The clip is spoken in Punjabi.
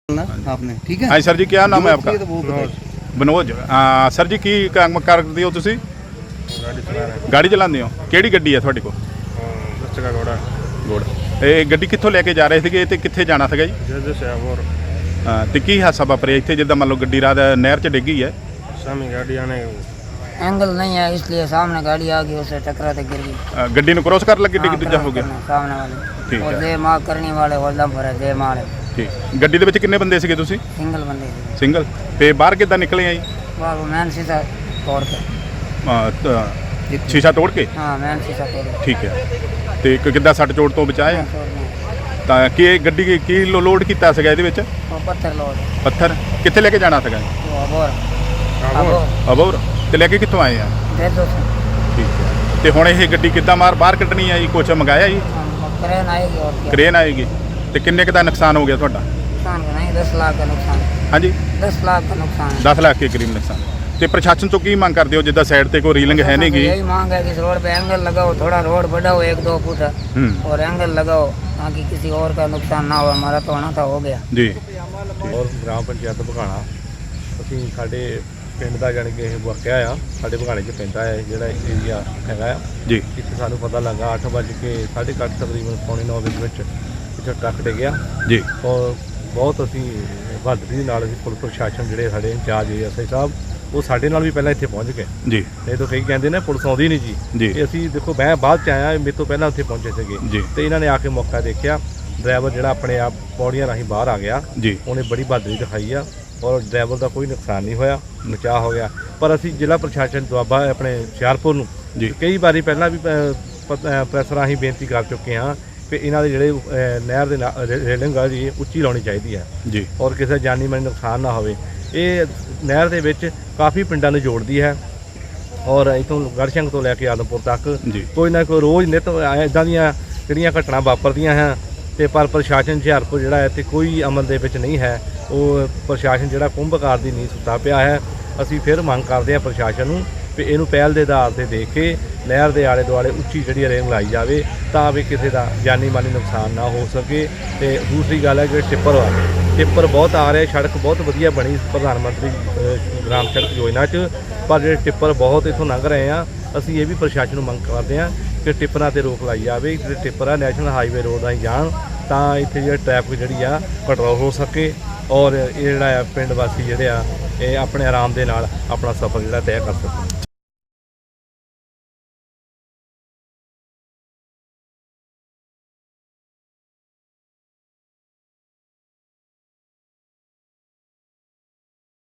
आपने ठीक है। हाँ सर जी, क्या नाम है आपका? तो वो बताइए। मनोज। सर जी, की काम करते हो तुसी? गाड़ी चलाते हो? ਕਿਹੜੀ ਗੱਡੀ ਹੈ ਤੁਹਾਡੇ ਕੋਲ? ਦੱਸਗਾ ਘੋੜਾ ਗੁੜ। ਇਹ ਗੱਡੀ ਕਿੱਥੋਂ ਲੈ ਕੇ ਜਾ ਰਹੇ ਸੀਗੇ ਤੇ ਕਿੱਥੇ ਜਾਣਾ ਸੀਗਾ ਜੀ? ਜਦ ਸਿਆਵਰ ਤੇ ਕੀ ਹਾਦਸਾ ਵਾਪਰਿਆ ਇੱਥੇ ਜਿੱਦਾਂ ਮੰਨ ਲਓ ਗੱਡੀ ਰਾਤ ਨਹਿਰ 'ਚ ਡਿੱਗੀ ਹੈ? ਸਾਮੀ गाड़ी आने एंगल नहीं है इसलिए सामने गाड़ी आ गई उससे टकरा के गिर गई। ਗੱਡੀ ਨੂੰ ਕ੍ਰੋਸ ਕਰਨ ਲੱਗੇ ਡਿੱਗ ਦੂਜਾ हो गया? सामने वाले ठीक और है। दे मार करने वाले होल्डम पर है दे मार ਠੀਕ। ਗੱਡੀ ਦੇ ਵਿੱਚ ਕਿੰਨੇ ਬੰਦੇ ਸੀਗੇ ਤੁਸੀਂ? सिंगल बंदे थे। ਸਿੰਗਲ। ਤੇ ਬਾਹਰ ਕਿੱਦਾਂ ਨਿਕਲੇ ਆ ਜੀ? बाबू मैन शीशा तोड़ के ਸ਼ੀਸ਼ਾ ਤੋੜ ਕੇ? हाँ मैन शीशा तोड़ के ਠੀਕ ਹੈ। ਤੇ ਕਿੱਦਾਂ ਸੱਟ ਚੋਟ ਤੋਂ ਬਚਾਏ? ਤਾਂ ਕੀ ਇਹ ਗੱਡੀ ਕੀ ਲੋਡ ਕੀਤਾ ਸੀਗਾ ਇਹਦੇ ਵਿੱਚ? वो पत्थर लोड ਪੱਥਰ ਕਿੱਥੇ ਲੈ ਕੇ ਜਾਣਾ ਸੀਗਾ? वो अबोर ਅਬੋਰ। ਤੇ ਲੈ ਕੇ ਕਿੱਥੋਂ ਆਏ ਆ? दे दो ਠੀਕ ਹੈ। ਤੇ ਹੁਣ ਇਹ ਗੱਡੀ ਕਿੱਦਾਂ ਬਾਹਰ ਕੱਢਣੀ ਆ ਜੀ? ਕੁਛ ਮੰਗਾਇਆ ਜੀ? क्रेन आएगी और क्या ਕ੍ਰੇਨ ਆਏਗੀ। ਤੇ ਕਿੰਨੇ ਕੁ ਦਾ ਨੁਕਸਾਨ ਹੋ ਗਿਆ ਤੁਹਾਡਾ? नुकसान का नहीं 10 लाख का नुकसान ਹਾਂਜੀ 10 लाख का नुकसान 10 ਲੱਖ ਦੇ ਕਰੀਬ ਨੁਕਸਾਨ। ਤੇ ਪ੍ਰਸ਼ਾਸਨ ਤੋਂ ਕੀ ਮੰਗ ਕਰਦੇ ਹੋ ਜਿੱਦਾਂ ਸਾਈਡ ਤੇ ਕੋਈ ਰੀਲਿੰਗ ਹੈ ਨਹੀਂ ਗੀ? यही मांग है कि इस रोड पे एंगल लगाओ थोड़ा रोड बढ़ाओ 1-2 फुट और एंगल लगाओ ताकि किसी और का नुकसान ना हो। हमारा तो होना था हो गया ਜੀ। ਔਰ ਗ੍ਰਾਮ ਪੰਚਾਇਤ ਭਗਾਣਾ ਅਸੀਂ ਸਾਡੇ ਪਿੰਡ ਦਾ ਜਾਣੀ ਕਿ ਇਹ ਵਾਕਿਆ ਆ ਸਾਡੇ ਭਗਾਣੇ 'ਚ ਪੈਂਦਾ ਹੈ ਜਿਹੜਾ ਏਰੀਆ ਹੈਗਾ ਆ। ਜੀ। ਇੱਥੇ ਸਾਨੂੰ ਪਤਾ ਲੱਗਾ 8:30 ਤਕਰੀਬਨ 9:45 ਦੇ ਵਿੱਚ ਇੱਥੇ ਟਰੱਕ ਡਿੱਗਿਆ ਜੀ। ਔਰ ਬਹੁਤ ਅਸੀਂ ਬਹਾਦਰੀ ਦੇ ਨਾਲ ਅਸੀਂ ਪੁਲਿਸ ਪ੍ਰਸ਼ਾਸਨ ਜਿਹੜੇ ਸਾਡੇ ਇੰਚਾਰਜ ਐਸਆਈ ਸਾਹਿਬ ਉਹ ਸਾਡੇ ਨਾਲ ਵੀ ਪਹਿਲਾਂ ਇੱਥੇ ਪਹੁੰਚ ਗਏ। ਜੀ। ਇਹ ਤਾਂ ਕਈ ਕਹਿੰਦੇ ਨੇ ਪੁਲਿਸ ਆਉਂਦੀ ਨਹੀਂ ਜੀ। ਜੀ। ਅਸੀਂ ਦੇਖੋ ਮੈਂ ਬਾਅਦ 'ਚ ਆਇਆ ਮੇਰੇ ਤੋਂ ਪਹਿਲਾਂ ਉੱਥੇ ਪਹੁੰਚੇ ਸੀਗੇ ਜੀ। ਤੇ ਇਹਨਾਂ ਨੇ ਆ ਕੇ ਮੌਕਾ ਦੇਖਿਆ। ਡਰਾਈਵਰ ਜਿਹੜਾ ਆਪਣੇ ਆਪ ਪੌੜੀਆਂ ਰਾਹੀਂ ਬਾਹਰ ਆ ਗਿਆ। ਜੀ। ਉਹਨੇ ਬੜੀ ਬਹਾਦਰੀ ਦਿਖਾਈ ਆ ਔਰ ਡਰਾਈਵਰ ਦਾ ਕੋਈ ਨੁਕਸਾਨ ਨਹੀਂ ਹੋਇਆ, ਬਚਾਅ ਹੋ ਗਿਆ। ਪਰ ਅਸੀਂ ਜ਼ਿਲ੍ਹਾ ਪ੍ਰਸ਼ਾਸਨ ਦੁਆਬਾ ਆਪਣੇ ਹੁਸ਼ਿਆਰਪੁਰ ਨੂੰ ਜੀ ਕਈ ਵਾਰੀ ਪਹਿਲਾਂ ਵੀ ਪ੍ਰੈਸ ਰਾਹੀਂ ਬੇਨਤੀ ਕਰ ਚੁੱਕੇ ਹਾਂ ਕਿ ਇਹਨਾਂ ਦੇ ਜਿਹੜੇ ਨਹਿਰ ਦੇ ਰੇਲਿੰਗ ਆ ਜੀ ਉੱਚੀ ਲਾਉਣੀ ਚਾਹੀਦੀ ਹੈ ਜੀ ਔਰ ਕਿਸੇ ਜਾਨੀ ਮਾਲੀ ਨੁਕਸਾਨ ਨਾ ਹੋਵੇ। ਇਹ ਨਹਿਰ ਦੇ ਵਿੱਚ ਕਾਫੀ ਪਿੰਡਾਂ ਨੂੰ ਜੋੜਦੀ ਹੈ ਔਰ ਇੱਥੋਂ ਗੜਸ਼ੰਗ ਤੋਂ ਲੈ ਕੇ ਆਦਮਪੁਰ ਤੱਕ ਜੀ ਕੋਈ ਨਾ ਕੋਈ ਰੋਜ਼ ਨਿੱਤ ਇੱਦਾਂ ਦੀਆਂ ਜਿਹੜੀਆਂ ਘਟਨਾ ਵਾਪਰਦੀਆਂ ਹੈ ਤੇ ਪਰ ਪ੍ਰਸ਼ਾਸਨ ਹੁਸ਼ਿਆਰਪੁਰ ਜਿਹੜਾ ਇੱਥੇ ਕੋਈ ਅਮਲ ਦੇ ਵਿੱਚ ਨਹੀਂ ਹੈ। ਉਹ ਪ੍ਰਸ਼ਾਸਨ ਜਿਹੜਾ ਕੁੰਭਕਾਰ ਦੀ ਨੀਂਹ ਸੁੱਤਾ ਪਿਆ ਹੈ। ਅਸੀਂ ਫਿਰ ਮੰਗ ਕਰਦੇ ਹਾਂ ਪ੍ਰਸ਼ਾਸਨ ਨੂੰ ਵੀ ਇਹਨੂੰ ਪਹਿਲ ਦੇ ਆਧਾਰ ਤੇ ਦੇਖ ਕੇ ਨਹਿਰ ਦੇ ਆਲੇ ਦੁਆਲੇ ਉੱਚੀ ਜਿਹੜੀ ਰੇਲਿੰਗ ਲਾਈ ਜਾਵੇ ਤਾਂ ਵੀ ਕਿਸੇ ਦਾ ਜਾਨੀ ਮਾਲੀ ਨੁਕਸਾਨ ਨਾ ਹੋ ਸਕੇ। ਤੇ ਦੂਸਰੀ ਗੱਲ ਹੈ ਜਿਹੜੇ ਟਿੱਪਰ ਬਹੁਤ ਆ ਰਹੇ, ਸੜਕ ਬਹੁਤ ਵਧੀਆ ਬਣੀ ਪ੍ਰਧਾਨ ਮੰਤਰੀ ਗ੍ਰਾਮ ਸੜਕ ਯੋਜਨਾ 'ਚ, ਪਰ ਜਿਹੜੇ ਟਿੱਪਰ ਬਹੁਤ ਇੱਥੋਂ ਲੰਘ ਰਹੇ ਆ। ਅਸੀਂ ਇਹ ਵੀ ਪ੍ਰਸ਼ਾਸਨ ਨੂੰ ਮੰਗ ਕਰਦੇ ਹਾਂ ਕਿ ਟਿੱਪਰਾਂ 'ਤੇ ਰੋਕ ਲਾਈ ਜਾਵੇ। ਜਿਹੜੇ ਟਿੱਪਰ ਆ ਨੈਸ਼ਨਲ ਹਾਈਵੇ ਰੋਡ ਰਾਹੀਂ ਜਾਣ ਤਾਂ ਇੱਥੇ ਜਿਹੜਾ ਟ੍ਰੈਫਿਕ ਜਿਹੜੀ ਆ ਕੰਟਰੋਲ ਹੋ ਸਕੇ ਔਰ ਇਹ ਜਿਹੜਾ ਆ ਪਿੰਡ ਵਾਸੀ ਜਿਹੜੇ ਆ ਇਹ ਆਪਣੇ ਆਰਾਮ ਦੇ ਨਾਲ ਆਪਣਾ ਸਫ਼ਰ ਜਿਹੜਾ ਤੈਅ ਕਰ ਸਕਣ।